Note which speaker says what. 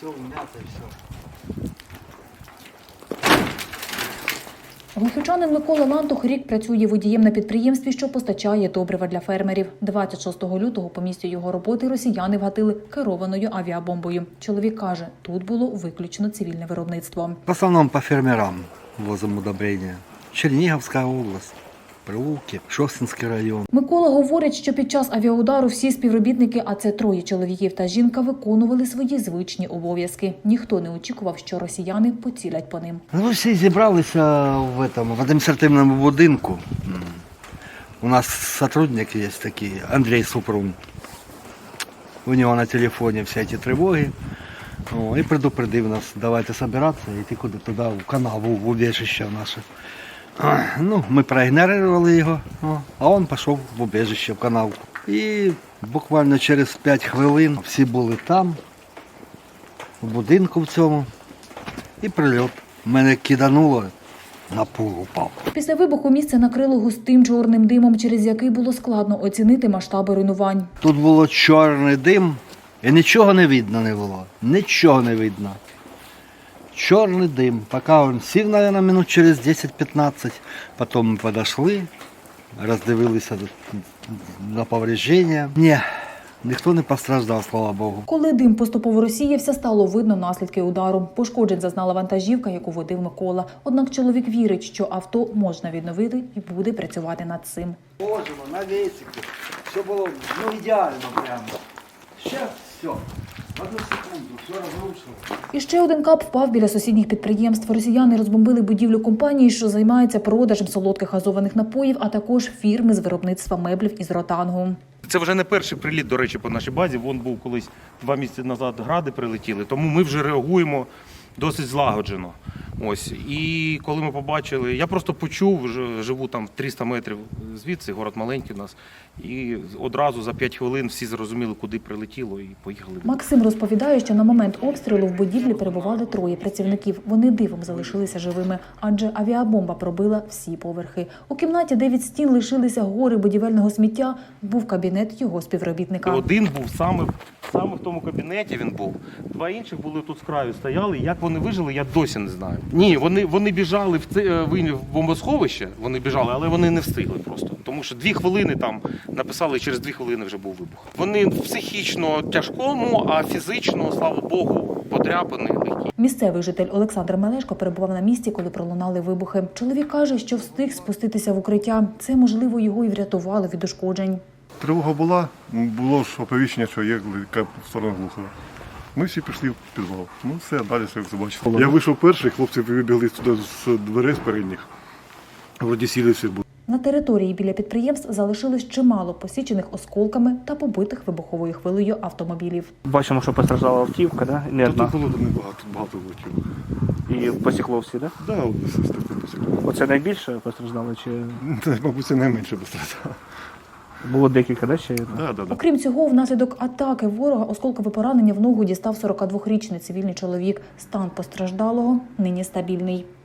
Speaker 1: все вмято і все.
Speaker 2: Глухівчанин Микола Лантух рік працює водієм на підприємстві, що постачає добрива для фермерів. 26 лютого по місцю його роботи росіяни вгатили керованою авіабомбою. Чоловік каже, тут було виключно цивільне виробництво.
Speaker 1: В основному по фермерам возимо удобрення. Чернігівська область, Прилуки, Шостинський район.
Speaker 2: Микола говорить, що під час авіаудару всі співробітники, а це 3 чоловіків та жінка, виконували свої звичні обов'язки. Ніхто не очікував, що росіяни поцілять по ним.
Speaker 1: Ну, всі зібралися в адміністративному будинку. У нас сотрудник є такий, Андрій Супрун. У нього на телефоні всі ці тривоги. І предупредив нас, давайте збиратися і йти куди туди, в канал, в убіжище наше. Ну, ми проігнорували його, а він пішов в убіжище, в канал. І буквально через 5 хвилин всі були там, в будинку в цьому, і прильот. Мене кидануло, на пол упав.
Speaker 2: Після вибуху місце накрило густим чорним димом, через який було складно оцінити масштаби руйнувань.
Speaker 1: Тут було чорний дим, і нічого не видно не було, нічого не видно. Чорний дим, поки він сів, мабуть, минут через 10-15, потім ми підійшли, роздивилися на повреждення. Ні, ніхто не постраждав, слава Богу.
Speaker 2: Коли дим поступово розсіявся, стало видно наслідки удару. Пошкоджень зазнала вантажівка, яку водив Микола. Однак чоловік вірить, що авто можна відновити і буде працювати над цим.
Speaker 1: Положимо на весику, все було ідеально прямо. Зараз все. Одну секунду, все розрушило.
Speaker 2: І ще один кап впав біля сусідніх підприємств. Росіяни розбомбили будівлю компанії, що займається продажем солодких газованих напоїв, а також фірми з виробництва меблів із ротангу.
Speaker 3: Це вже не перший приліт, до речі, по нашій базі. Вон був колись 2 місяці назад гради прилетіли, тому ми вже реагуємо досить злагоджено. Ось. І коли ми побачили, я просто почув, живу там 300 метрів звідси, город маленький у нас, і одразу за 5 хвилин всі зрозуміли, куди прилетіло, і поїхали.
Speaker 2: Максим розповідає, що на момент обстрілу в будівлі перебували 3 працівників. Вони дивом залишилися живими, адже авіабомба пробила всі поверхи. У кімнаті, де від стін лишилися гори будівельного сміття, був кабінет його співробітника.
Speaker 3: Один був саме в тому кабінеті він був. 2 інших були тут з краю, стояли. Як вони вижили, я досі не знаю. Ні, вони біжали в бомбосховище, вони біжали, але вони не встигли просто. Тому що 2 хвилини там написали, і через 2 хвилини вже був вибух. Вони в психічно тяжкому, а фізично, слава Богу, подряпані, легкі.
Speaker 2: Місцевий житель Олександр Мелешко перебував на місці, коли пролунали вибухи. Чоловік каже, що встиг спуститися в укриття. Це, можливо, його і врятувало від ушкоджень.
Speaker 4: Тривога була, було ж оповіщення, що є в сторону Глухова. Ми всі пішли в підвал. Ну все, далі все побачили. Я вийшов перший, хлопці вибігли туди з дверей з передніх. Вроді сіли всі були.
Speaker 2: На території біля підприємств залишилось чимало посічених осколками та побитих вибуховою хвилею автомобілів.
Speaker 5: Бачимо, що постраждала автівка, да? Не
Speaker 4: Тут
Speaker 5: одна.
Speaker 4: було багато влетіло.
Speaker 5: І посікло всі, да?
Speaker 4: Так, все таке посікло.
Speaker 5: Оце найбільше постраждало, чи
Speaker 4: Мабуть, це найменше постраждало.
Speaker 5: було декілька, да, ще?
Speaker 4: Так.
Speaker 2: Окрім цього, внаслідок атаки ворога осколкове поранення в ногу дістав 42-річний цивільний чоловік. Стан постраждалого нині стабільний.